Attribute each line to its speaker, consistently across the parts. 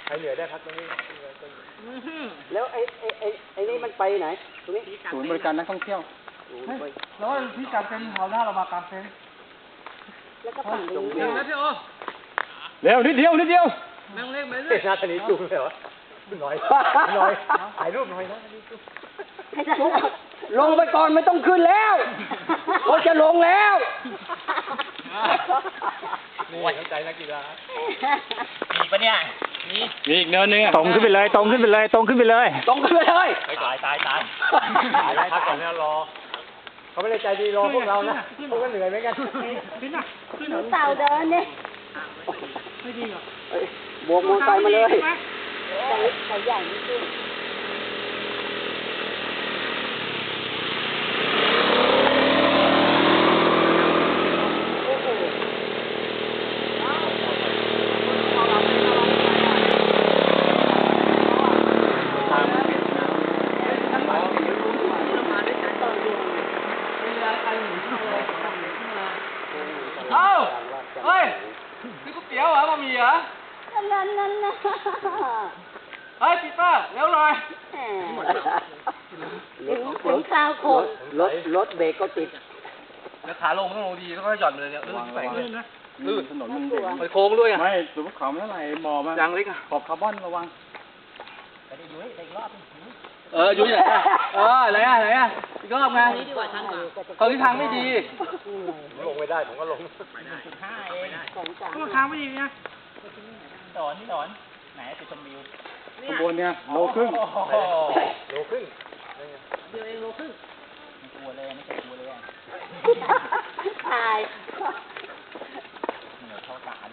Speaker 1: รเหนื่อยได้พักตรงนี้
Speaker 2: แล้วไอ้นี่มันไปไหนตรงนี้
Speaker 3: ศูนย์บริการนักท่องเที่ยว
Speaker 4: แล้วที่การเต็นท์เขาหน้าเรามากางเต็นท์
Speaker 2: แล้วก็ฝั่งนี้
Speaker 4: เดี๋ยวนะพี่โอ
Speaker 3: เร็วนิดเดียว
Speaker 4: แม่งเล็กไหม
Speaker 1: เฮ้ยหน้าทะเลจุ่มเลยวะหน่อยถ่ายรูปหน่อยนะ
Speaker 2: ลงไปก่อนไม่ต้องขึ้นแล้วเขาจะลงแล้ว
Speaker 1: นี่น้ำใจนักกีฬา
Speaker 4: มีปะเนี่ยมี
Speaker 3: มีอีกเนินนึงตรงขึ้นไปเลยตรงขึ้นไปเลย
Speaker 2: ตรงขึ้นไปเลย
Speaker 4: ตาย
Speaker 1: พักก่อนนะรอเขาไม่ได้ใจดีรอพวกเรานะพวกก็เหนื่อยเหมือนกัน
Speaker 2: หนูเต่าเดินเนี่ยไม่ดีหรอบวกมอไซค์มาเลยเขาใหญ่ไม่ขึ้น
Speaker 4: เฮ้ยนี่ก๋วยเตี๋ยวเหรอบะหมี่เหรอ
Speaker 2: นั่น
Speaker 4: เฮ้ยปีเตอร์เร็วหน่อย
Speaker 2: ถึงคราวโคตรถเบรกก็ติด
Speaker 4: แล้วขาลงต้องลงดีแล้วก็หย่อนเลยเนี่ยลื่นนะลื่น
Speaker 3: ถนนมันเด่น
Speaker 4: ไปโค้งด้วยอ่ะ
Speaker 3: ไม่สูงเขาไม่เท่าไหร่หมอมัน
Speaker 4: ยางเล็กอ่ะ
Speaker 3: ขอบคาร์บอนระวัง
Speaker 4: อยู่เนี่ยไหนอ่ะอีกรอบไงตอนนี้ทางไม่ดี
Speaker 1: ลงไม่ได้ผมก็ลง
Speaker 4: ก็ทางไม่ดีเนี่ย
Speaker 5: สอนไหนไปชมวิว
Speaker 3: ขบวนเนี่ยโลครึ่ง
Speaker 1: โลครึ่ง
Speaker 5: ไม่กลัวเลยไม่เคยกลัวเลย
Speaker 2: ตาย
Speaker 5: เหนือเข้าตาเลย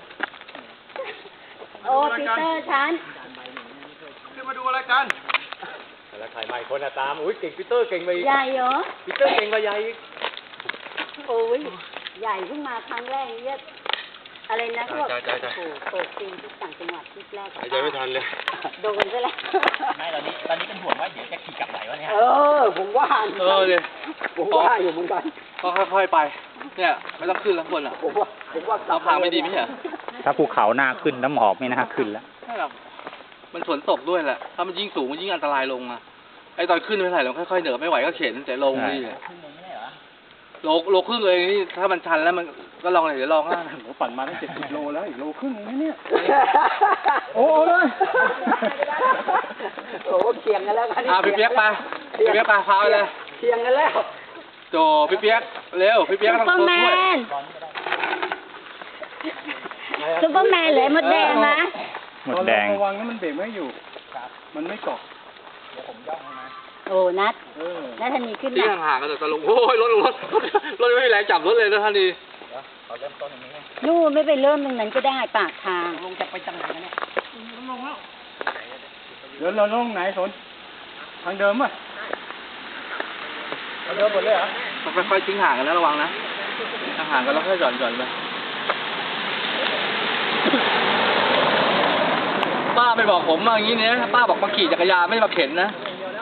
Speaker 2: โอ้ปีเตอร์ฉัน
Speaker 4: ขึ้นมาดูอะไรกัน
Speaker 1: แล้วถ่ายใหม่คนตามอุ้ยเก่งปีเตอร์เก่งไป
Speaker 2: ใหญ่เหรอ
Speaker 1: ปีเตอร์เก่งกว่าใหญ่
Speaker 2: โอ้ยใหญ่เพิ่งมาครั้งแรกเนี่ยอะไรนะพวกโอ้ปีนที่ต่างจังหวัดที่แรกหายใจไม่ทันเลยโดนไปแล้ว
Speaker 5: ไม่ตอนนี้เป็นห่วงว่าเดี๋ยวจะขี่กลับไหนวะเนี่ย
Speaker 2: ผมว่า
Speaker 4: เลย
Speaker 2: ผมว่าอยู่เหมือนกัน
Speaker 4: ก็ค่อยๆไปเนี่ยไม่ต้องขึ้นแล้วคนอ่ะ
Speaker 2: ผมว่า
Speaker 4: เราพาไม่ดีไม่ใช่
Speaker 3: ถ้าภูเขาหน้าขึ้นน้ำหอบไม่น่าขึ้นแล้ว
Speaker 4: ใช่หรอกมันฝนตกด้วยแหละถ้ามันยิ่งสูงมันยิ่งอันตรายลงอ่ะไอ้ตอนขึ้นไม่เท่าไหร่เราค่อยๆเหนือไม่ไหวก็เข็นแต่ลงนี่โลครึ่งเลยนี่ถ้ามันชันแล้วมันก็ลองเลยเดี๋ยวลองนะ
Speaker 3: ผมปั่นมาตั้ง70 โลแล้วอีกโลครึ่งเนี่ยโอ้เลย
Speaker 2: โอ้เคียงกันแล้วกัน
Speaker 4: พี่เปี๊ยกไปพาไปเลย
Speaker 2: เคียงกันแล้ว
Speaker 4: โจพี่เปี๊ยกเร็วพี่เปี๊ยกต้องช่วย
Speaker 2: ซุปเปอร์แมนเลยมดแดงนะ
Speaker 3: หมดแดงระวังนะมันเบรกไม่อยู่มันไม่เกาะ
Speaker 5: เดี๋ยวผมย่องให้มา
Speaker 2: โอ้นัดทันนี้ขึ้น
Speaker 4: ที่ห่างๆกันแต่ลงโอ้ยรถไม่มีแรงจับรถเลยนะท่านดี
Speaker 5: เราเริ่มต้นตรงนี้
Speaker 2: นู่นไม่ไปเริ่มตรงนั้นก็ได้ปากทาง
Speaker 5: ลงจากไปจังไหนเนี่ย
Speaker 4: ลงแล้ว
Speaker 3: เดี๋ยวเราลงไหนสนทางเดิมป่ะ
Speaker 1: ทางเดิมหมดเลยเหรอ
Speaker 4: ค่อยๆทิ้งห่างกันแล้วระวังนะห่างกันแล้วค่อยหย่อนไปป้าไปบอกผมมาอย่างนี้เนี่ยป้าบอกมาขี่จักรยานไม่มาเข็นนะ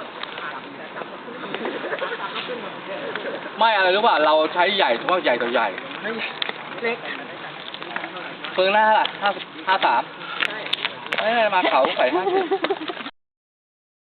Speaker 4: ไม่อะไรรู้ป่ะเราใช้ใหญ่ทุกว่าใหญ่ต่อใหญ่
Speaker 2: เล็ก
Speaker 4: เฟิงหน้าล่ะ53ไม่มาเขาใส่50